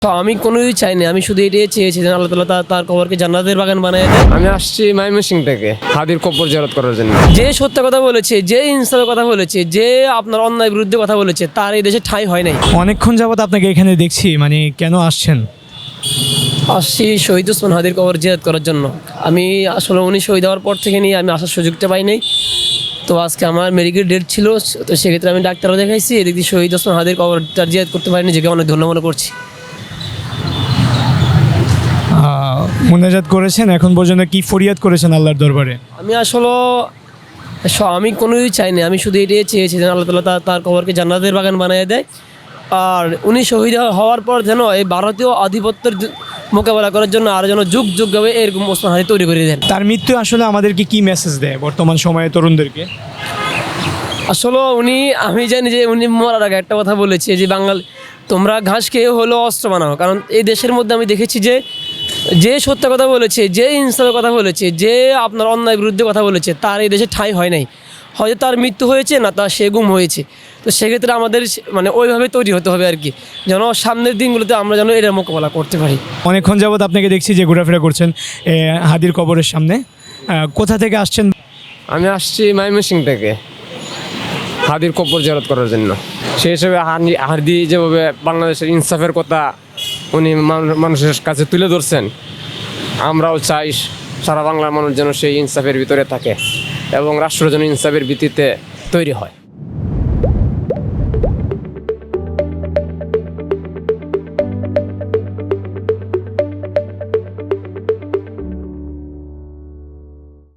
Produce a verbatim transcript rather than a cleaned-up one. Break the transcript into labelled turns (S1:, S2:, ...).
S1: তো আমি কোনোই চাইনি, আমি শুধু এটাই চেয়েছি যে আল্লাহ তাআলা তার তার কবরকে জান্নাতের বাগান বানিয়ে দেয়।
S2: আমি আসছি ময়মনসিংহ থেকে হাদির কবর জিয়ারত করার জন্য।
S1: যে সত্য কথা বলেছে, যে ইনসাফের কথা বলেছে, যে আপনার অন্যায় বিরুদ্ধে কথা বলেছে, তার এই দেশে ঠাঁই হয় নাই।
S3: অনেকক্ষণ যাবত আপনাকে এখানে দেখছি, মানে কেন আসছেন?
S1: আসছি শহীদ ওসমান হাদির কবর জিয়ারত করার জন্য। আমি আসলে উনি শহীদ হওয়ার পর থেকে নিয়ে আমি আসার সুযোগটা পাই নাই। তো আজকে আমার মেডিকেল ডেট ছিল, তো সেক্ষেত্রে আমি ডাক্তারও দেখাইছি, এদিক দিয়ে শহীদ ওসমান হাদির কবরটা জিয়ারত করতে পারিনি, নিজেকে অনেক ধন্য মনে করছি।
S3: মুনাজাত করেছেন, এখন পর্যন্ত কি ফরিয়াদ করেছেন আল্লাহর দরবারে?
S1: আমি আসলে স- আমি কোনোই চাইনি, আমি শুধু এটাই চেয়েছি যেন আল্লাহ তাআলা তার তার কবরকে জান্নাতের বাগান বানিয়ে দেয়। আর উনি শহীদ হওয়ার পর যেন এই ভারতীয় আধিপত্যের যু- মোকাবেলা করার জন্য আর যেন যুগ যুগভাবে এরকম ওসমান হাদি তৈরি করে দেন।
S3: তার মৃত্যু আসলে আমাদেরকে কি মেসেজ দেয় বর্তমান সময়ে তরুণদেরকে?
S1: আসলে উনি, আমি জানি যে উনি মরার আগে একটা কথা বলেছে যে বাঙাল তোমরা ঘাস খেয়ে হলো অস্ত্র বানাও। কারণ এই দেশের মধ্যে আমি দেখেছি যে যে সত্য কথা বলেছে, যে ইনসাফের কথা বলেছে, যে আপনার অন্যায় বিরুদ্ধে কথা বলেছে, তার এই দেশে ঠাঁই হয় নাই। হয়তো তার মৃত্যু হয়েছে, না তার সে গুম হয়েছে। তো সেক্ষেত্রে আমাদের সে- মানে ওইভাবে তৈরি হতে হবে আর কি, যেন সামনের দিনগুলোতে আমরা যেন এটার মোকাবেলা করতে পারি।
S3: অনেকক্ষণ যাবত আপনাকে দেখছি যে ঘোরাফেরা করছেন এ, হাদির কবরের সামনে। আহ, কোথা থেকে আসছেন?
S2: আমি আসছি ময়মনসিংহ থেকে হাদির কবর জিয়ারত করার জন্য। সেই হিসেবে হানি হাদি যেভাবে বাংলাদেশের ইনসাফের কথা উনি মান- মানুষের কাছে তুলে ধরছেন, আমরাও চাই সারা বাংলার মানুষ যেন সেই ইনসাফের ভিতরে থাকে এবং রাষ্ট্র যেন ইনসাফের ভিত্তিতে তৈরি হয়।